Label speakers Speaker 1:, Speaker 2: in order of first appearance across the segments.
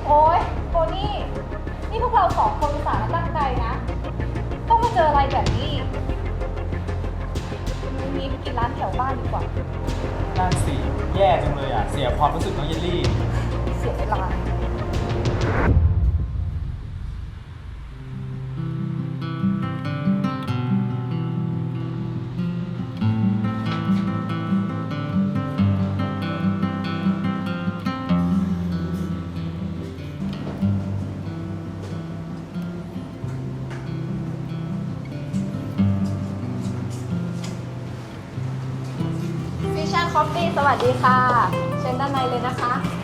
Speaker 1: โอ๊ยโบนี่นี่พวกเราสองคนอุตส่าห์มาตั้งใจนะต้องมาเจออะไรแบบนี้วันนี้ไปกินร้านแถวบ้านดีกว่า
Speaker 2: นั่นสิแย่จังเลยอ่ะ เสียความรู้สึกน้องเยลลี่
Speaker 1: เสียเวลา ฟิชชั่นคอฟฟี่สวัสดีค่ะ เชิญด้านในเลยนะคะ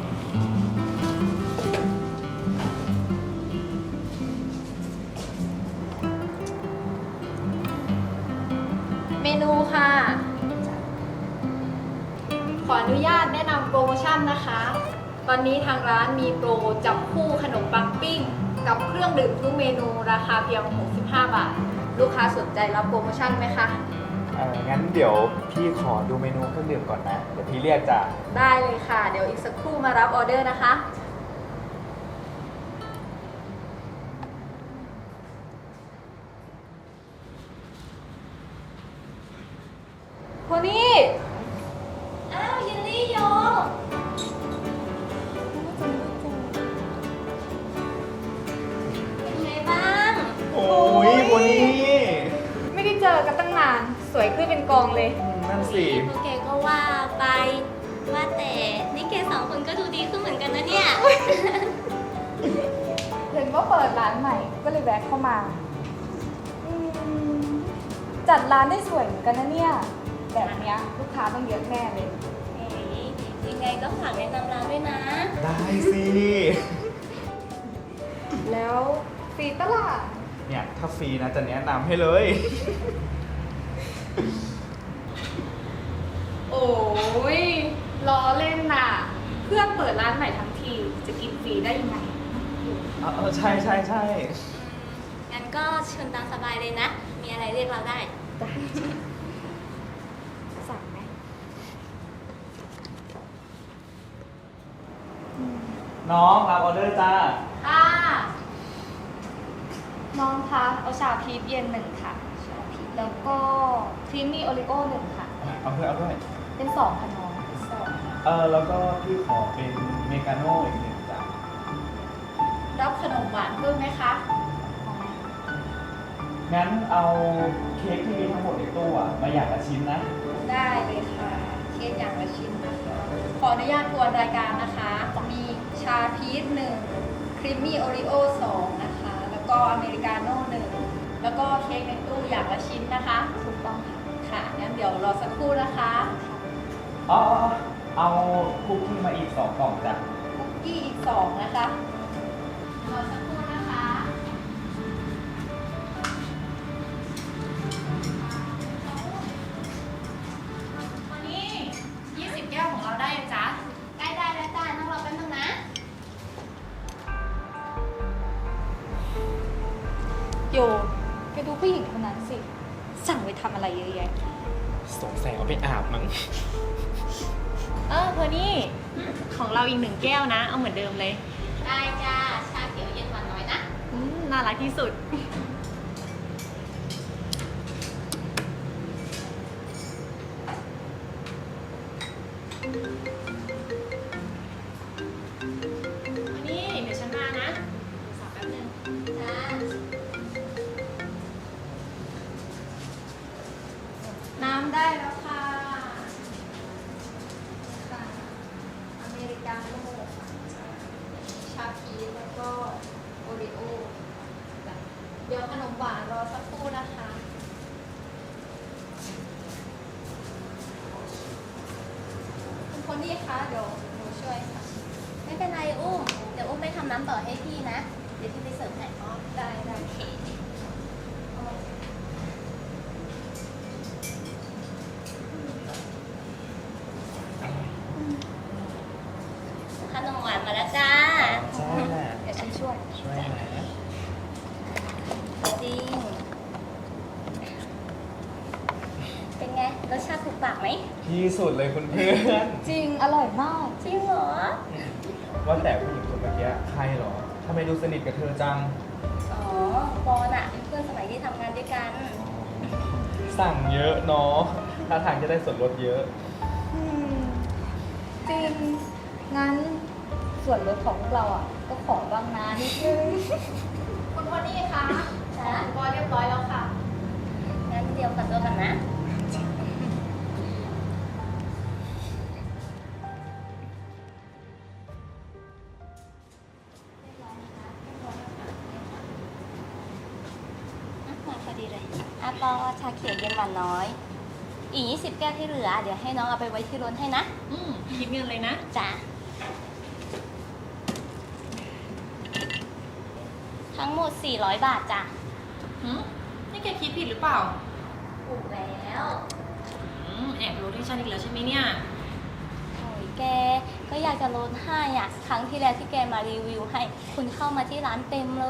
Speaker 1: เมนูค่ะ ขออนุญาตแนะนำโปรโมชั่นนะคะ ตอนนี้ทางร้านมีโปรจับคู่ขนมปังปิ้ง กับเครื่องดื่มทุกเมนูราคาเพียง 65 บาท ลูกค้าสนใจรับโปรโมชั่นไหมคะ
Speaker 2: งั้นเดี๋ยวพี่ขอดูเมนูเครื่องดื่มก่อนนะ เดี๋ยวพี่เรียกจ้ะ
Speaker 1: ได้เลยค่ะ เดี๋ยวอีกสักครู่มารับออเดอร์นะคะ โพนี่
Speaker 3: อ้าวเยลลี่โยเป็นไงบ้าง
Speaker 2: โอ้ยวันนี้
Speaker 1: ไม่ได้เจอกันตั้งนาน สวยขึ้นเป็นกองเลย
Speaker 2: นั่นสิ
Speaker 3: โอเคก็ว่าไป ว่าแต่นี่แกสองคนก็ดูดีขึ้นเหมือนกันนะเนี่ย
Speaker 1: เห็นว่าเปิดร้านใหม่ ก็เลยแวะเข้ามาอืมจัดร้านได้สวยเหมือนกันนะเนี่ย แบบเนี้ยลูกค้าต้องเยอะแน่เลย
Speaker 3: เฮ้ยยังไงก็ฝากแนะนำร้านด้วยนะ
Speaker 2: ได้สิ
Speaker 1: แล้วฟรีตลาด
Speaker 2: เนี่ยถ้าฟรีนะจะแนะนำให้เลย
Speaker 1: โอ้ยล้อเล่นน่ะ เพื่อนเปิดร้านใหม่ทั้งที จะกินฟรีได้ยังไง
Speaker 2: ใช่ใช่ใช่
Speaker 3: งั้นก็เชิญตามสบายเลยนะ มีอะไรเรียกเราได้
Speaker 1: ได้สั่งไหม
Speaker 2: น้องรับออเดอร์จ้า
Speaker 1: ค่ะ น้องคะเอาชาพีชเย็นหนึ่งค่ะ ชาพีชแล้วก็ครีมมี่โอริโอหนึ่งค่ะ
Speaker 2: เอาด้วยเอาด้วย
Speaker 1: เป็นสองค่ะน้องสอง
Speaker 2: แล้วก็พี่ขอเป็นเมกาโน่อีกหนึ่งจ้ะ
Speaker 1: รับขนมหวานเพิ่มไหมคะเอาไหม
Speaker 2: งั้นเอาเค้กที่มีทั้งหมดในตู้อะมาอย่างละชิ้นนะ
Speaker 1: ได้เลยค่ะเค้กอย่างละชิ้นนะคะ ขออนุญาตทวนรายการนะคะ มีชาพีชหนึ่งครีมมี่โอริโอสองนะคะ แล้วก็อเมริกาโน่หนึ่งแล้วก็เค้กในตู้อย่างละชิ้นนะคะ ถูกต้องค่ะ งั้นเดี๋ยวรอสักครู่นะคะ
Speaker 2: เอาคุกกี้มาอีก2 กล่องจ้ะ
Speaker 1: คุกกี้อีกสองนะคะ รอสักครู่นะคะ วันนี้20 แก้วของเราได้ยังจ๊ะ
Speaker 3: ใกล้ได้แล้วจ้าต้องรอแป๊บนึงนะ
Speaker 1: โยไปดูผู้หญิงคนนั้นสิ สั่งไปทำอะไรเยอะแยะ
Speaker 2: สงสัยเอาไปอาบมั้ง
Speaker 4: เพอนี่ของเราอีก1 แก้วนะ เอาเหมือนเดิมเลย
Speaker 3: ได้จ้า ชาเขียวเย็นหวานน้อยนะ
Speaker 4: น่ารักที่สุด วันนี้เดี๋ยวฉันมานะสอบแป๊บนึง
Speaker 3: จ้า
Speaker 1: น้ำได้แล้วค่ะค่ะ อเมริกาโน่ค่ะชาพีชแล้วก็โอริโอจ้ะเดี๋ยวขนมหวานรอสักครู่นะคะ คุณคนนี้คะเดี๋ยวหนูช่วยค่ะ
Speaker 3: ไม่เป็นไรอุ้ม เดี๋ยวอุ้มไปทำน้ำต่อให้พี่นะ เดี๋ยวพี่ไปเสิร์ฟให้
Speaker 1: ได้ได้
Speaker 3: โอเค ขนมหวานมาแล้วจ้า
Speaker 2: ใช่แหละ
Speaker 1: เดี๋ยวฉันช่วย
Speaker 2: ช่วยหน่อยนะ
Speaker 3: จริง เป็นไง รสชาติถูกปากไหม
Speaker 2: ที่สุดเลยคุณเพื่อน
Speaker 1: จริง อร่อยมาก
Speaker 3: จริงเหรอ
Speaker 2: ว่าแต่ผู้หญิงคนเมื่อกี้ใครเหรอทำไมดูสนิทกับเธอจัง
Speaker 3: อ๋อปอนอะเป็นเพื่อนสมัยที่ทำงานด้วยกัน
Speaker 2: สั่งเยอะเนาะท่าทางจะได้ส่วนลดเยอะ
Speaker 1: จริง งั้นส่วนลดของพวกเราอ่ะ ก็ขอบ้างนะนิดนึง
Speaker 4: คุณโทนี่คะ
Speaker 3: จ้ะ
Speaker 4: อุปกรณ์เรียบร้อยแล้วค่ะ
Speaker 3: งั้นเดี๋ยวขอตัวกันนะ มาพอดีเลยอาปอชาเขียวเย็นหวานน้อย อีก20 แก้วที่เหลือ เดี๋ยวให้น้องเอาไปไว้ที่รถให้นะ
Speaker 4: คิดเงินเลยนะ
Speaker 3: จ้ะ ทั้งหมด 400 บาทจ้ะ
Speaker 4: นี่แกคิดผิดหรือเปล่า
Speaker 3: ถูกแล้ว
Speaker 4: แอบรู้ที่ฉันอีกแล้วใช่ไหมเนี่ย
Speaker 3: โอ้ยแก ก็อยากจะลดให้อ่ะ ครั้งที่แล้วที่แกมารีวิวให้ คุณเข้ามาที่ร้านเต็มเลย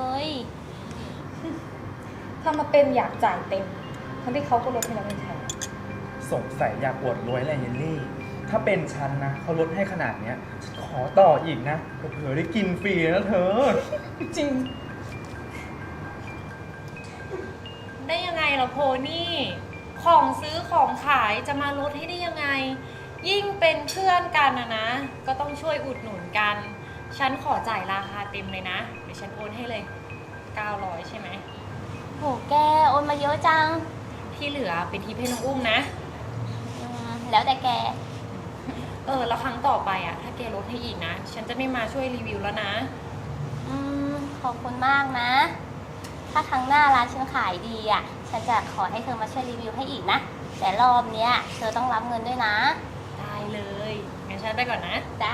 Speaker 1: ถ้ามาเป็นอยากจ่ายเต็ม ทั้งที่เขาก็ลดให้เราไม่ใช่
Speaker 2: สงสัยอยากอวดรวยแหละเยลลี่ ถ้าเป็นฉันนะเขาลดให้ขนาดเนี้ยฉันขอต่ออีกนะเผื่อๆได้กินฟรีนะเธอ
Speaker 1: จริง
Speaker 4: ได้ยังไงล่ะโพนี่ ของซื้อของขายจะมาลดให้ได้ยังไง ยิ่งเป็นเพื่อนกันนะ ก็ต้องช่วยอุดหนุนกัน ฉันขอจ่ายราคาเต็มเลยนะ เดี๋ยวฉันโอนให้เลย 900 ใช่ไหม
Speaker 3: โห แก โอนมาเยอะจัง
Speaker 4: ที่เหลือเป็นทิปให้น้องอุ้มนะ
Speaker 3: แล้วแต่แก
Speaker 4: แล้วครั้งต่อไปอ่ะ ถ้าแกลดให้อีกนะ ฉันจะไม่มาช่วยรีวิวแล้วนะ
Speaker 3: ขอบคุณมากนะ ถ้าครั้งหน้าร้านฉันขายดีอ่ะ ฉันจะขอให้เธอมาช่วยรีวิวให้อีกนะ แต่รอบเนี้ยเธอต้องรับเงินด้วยนะ
Speaker 4: ได้เลย งั้นฉันไปก่อนนะ
Speaker 3: จ้า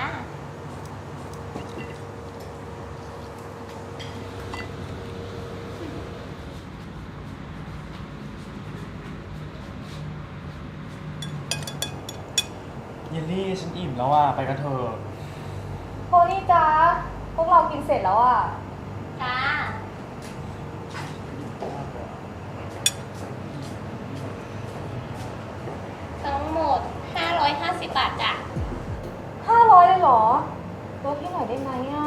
Speaker 2: เยลลี่ฉันอิ่มแล้วอ่ะไปกันเถอะ
Speaker 1: โพนี่จ้าพวกเรากินเสร็จแล้วอ่ะ
Speaker 3: จ้า ทั้งหมด 550 บาทจ้ะ
Speaker 1: 500เลยเหรอลดให้หน่อยได้ไหมอ่ะ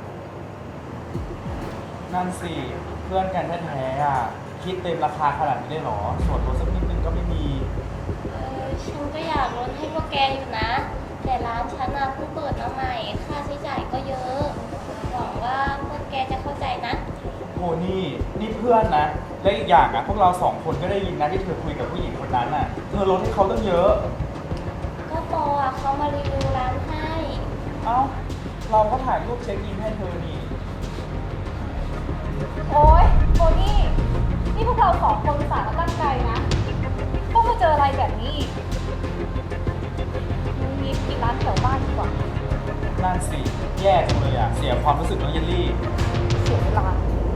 Speaker 2: นั่นสิเพื่อนกันแท้ๆอ่ะคิดเต็มราคาขนาดนี้ได้เหรอส่วนลดสักนิดนึงก็ไม่มี
Speaker 3: ฉันก็อยากลดให้พวกแกอยู่นะ แต่ร้านฉันน่ะเพิ่งเปิดมาใหม่ ค่าใช้จ่ายก็เยอะ หวังว่าพวกแกจะเข้าใจนะ
Speaker 2: โหนี่เพื่อนนะ และอีกอย่างอ่ะพวกเราสองคนก็ได้ยินนะที่เธอคุยกับผู้หญิงคนนั้นอ่ะ เธอลดให้เขาตั้งเยอะ
Speaker 3: ก็ปออ่ะเขามารีวิวร้านให้
Speaker 2: เอ้า เราก็ถ่ายรูปเช็คอินให้เธอนี่
Speaker 1: โอ๊ยโพนี่นี่พวกเราสองคนอุตส่าห์มาตั้งใจนะก็มาเจออะไรแบบนี้อีกมึงมีปิดร้านแถวบ้านดีกว่า
Speaker 2: นั่นสิ แย่จังเลยอ่ะ เสียความรู้สึกน้องเยลลี่
Speaker 1: เสียเวลา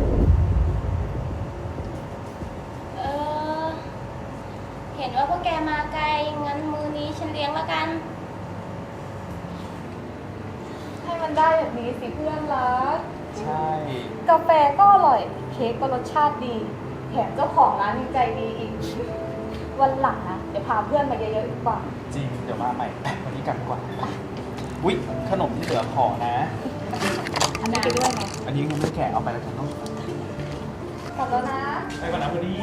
Speaker 3: เห็นว่าพวกแกมาไกล งั้นมื้อนี้ฉันเลี้ยงแล้วกัน
Speaker 1: ให้มันได้แบบนี้สิเพื่อนรัก
Speaker 2: ใช่
Speaker 1: กาแฟก็อร่อย เค้กก็รสชาติดี แถมเจ้าของร้านยังใจดีอีก วันหลังนะ เดี๋ยวพาเพื่อนมาเยอะๆอีกกว่า
Speaker 2: จริง เดี๋ยวมาใหม่วันนี้กลับดีกว่าอุ๊ย ขนมที่เหลือขอนะ
Speaker 1: อันนี้ไปด้วยไง
Speaker 2: อันนี้ยังไม่แกะเอาไปแล้วกันเนาะ
Speaker 1: กลับแล้วนะ
Speaker 2: ไปก่อนนะพอดี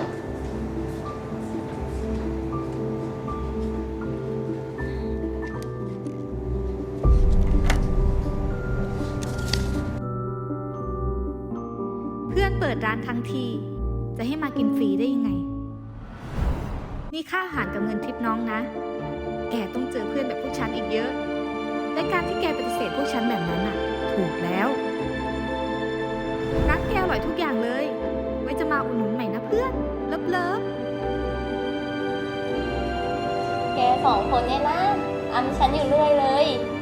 Speaker 5: เพื่อนเปิดร้านทั้งทีจะให้มากินฟรีได้ยังไง นี่ค่าอาหารกับเงินทิปน้องนะ แกต้องเจอเพื่อนแบบพวกฉันอีกเยอะ และการที่แกปฏิเสธพวกฉันแบบนั้นน่ะ ถูกแล้วร้านแกอร่อยทุกอย่างเลย ไว้จะมาอุดหนุนใหม่นะเพื่อน เลิฟ
Speaker 3: แกสองคนเนี่ยนะอำฉันอยู่เรื่อยเลย